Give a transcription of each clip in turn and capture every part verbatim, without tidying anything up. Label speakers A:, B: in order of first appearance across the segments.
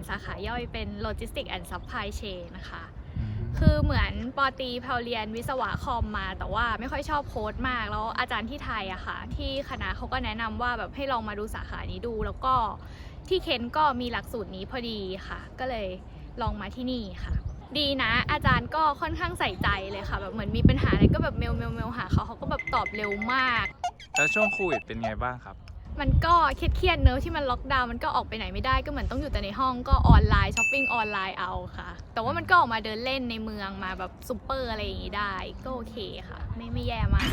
A: สาขาย่อยเป็น Logistics and Supply Chain นะคะคือเหมือนปอตีแพลเรียนวิศวะคอมมาแต่ว่าไม่ค่อยชอบโค้ดมากแล้วอาจารย์ที่ไทยอะค่ะที่คณะเขาก็แนะนำว่าแบบให้ลองมาดูสาขานี้ดูแล้วก็ที่เคนก็มีหลักสูตรนี้พอดีค่ะก็เลยลองมาที่นี่ค่ะดีนะอาจารย์ก็ค่อนข้างใส่ใจเลยค่ะแบบเหมือนมีปัญหาอะไรก็แบบเมลเมลเมลหาเขาเขาก็แบบตอบเร็วมาก
B: แล้วช่วงโควิดเป็นไงบ้างครับ
A: มันก็เครียดๆเนอะที่มันล็อกดาวน์มันก็ออกไปไหนไม่ได้ก็เหมือนต้องอยู่แต่ในห้องก็ออนไลน์ช้อปปิ้งออนไลน์เอาค่ะแต่ว่ามันก็ออกมาเดินเล่นในเมืองมาแบบซูเปอร์อะไรอย่างงี้ได้ก็โอเคค่ะไม่ไม่แย่มาก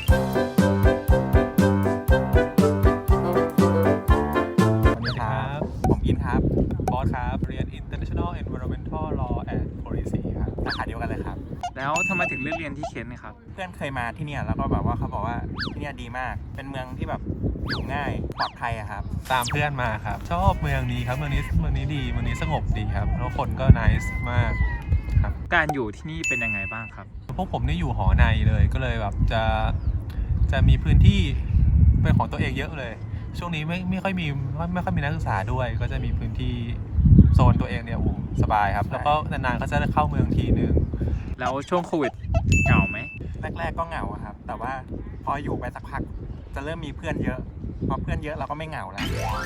C: สวัสดีครับผมอินครับบอสครับเรียน International Environmental Law and Policy ครับสาขาเดียวกันเลยครับ
B: แล้วทำไมถึงเลือกเรียนที่เคนนะครับ
C: เพื่อนเคยมาที่เนี่ยแล้วก็แบบว่าเขาบอกว่าที่เนี่ยดีมากเป็นเมืองที่แบบอยู่ง่ายปลอดภัยอะครับ
D: ตามเพื่อนมาครับชอบเมืองนี้ครับเมืองนี้เมืองนี้ดีเมืองนี้สงบดีครับแล้วคนก็ nice มากครับ
B: การอยู่ที่นี่เป็นยังไงบ้างครับ
D: พวกผมนี่อยู่หอในเลยก็เลยแบบจะจะมีพื้นที่เป็นของตัวเองเยอะเลยช่วงนี้ไม่ไม่ค่อยมีไม่ค่อยมีนักศึกษาด้วยก็จะมีพื้นที่โซนตัวเองเนี่ยโอ้สบายครับแล้วก็นานๆก็จะเข้าเมืองทีนึง
B: แล้วช่วงโควิดเหงาไหม
C: แรกๆก็เหงาครับแต่ว่าพออยู่ไปสักพักจะเริ่มมีเพื่อนเยอะพอเพื่อนเยอะเราก็ไม่เหงาแล้ว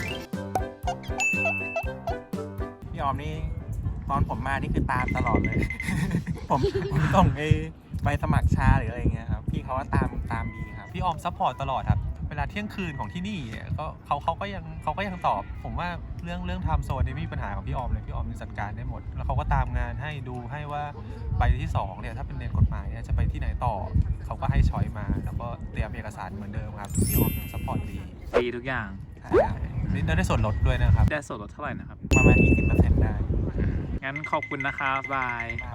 C: พี่ออมนี่ตอนผมมานี่คือตามตลอดเลย ผมผมต้องไปไปสมัครชาหรืออะไรเงี้ยครับพี่เขาว่าตามตามดีครับ
D: พี่ออมซัพพอร์ตตลอดครับเวลาเที่ยงคืนของที่นี่ก็เขาเขาก็ยังเขาก็ยังตอบผมว่าเรื่องเรื่องไทม์โซนนี่ไม่มีปัญหาของพี่ออมเลยพี่ออมจัดการได้หมดแล้วเขาก็ตามงานให้ดูให้ว่าใบที่สองเนี่ยถ้าเป็นเรียนกฎหมายเนี่ยจะไปที่ไหนต่อเขาก็ให้ช้อยมาแล้วก็เตรียมเอกสารเหมือนเดิมครับพี่ออมยังซัพพอร์ตดี
B: ดีทุกอย่าง
D: ได้ได้ส่วนลดด้วยนะครับ
B: ได้ส่วนลดเท่าไหร่นะครับ
C: ประมาณ ยี่สิบเปอร์เซ็นต์ ได้
B: งั้นขอบคุณนะครับบาย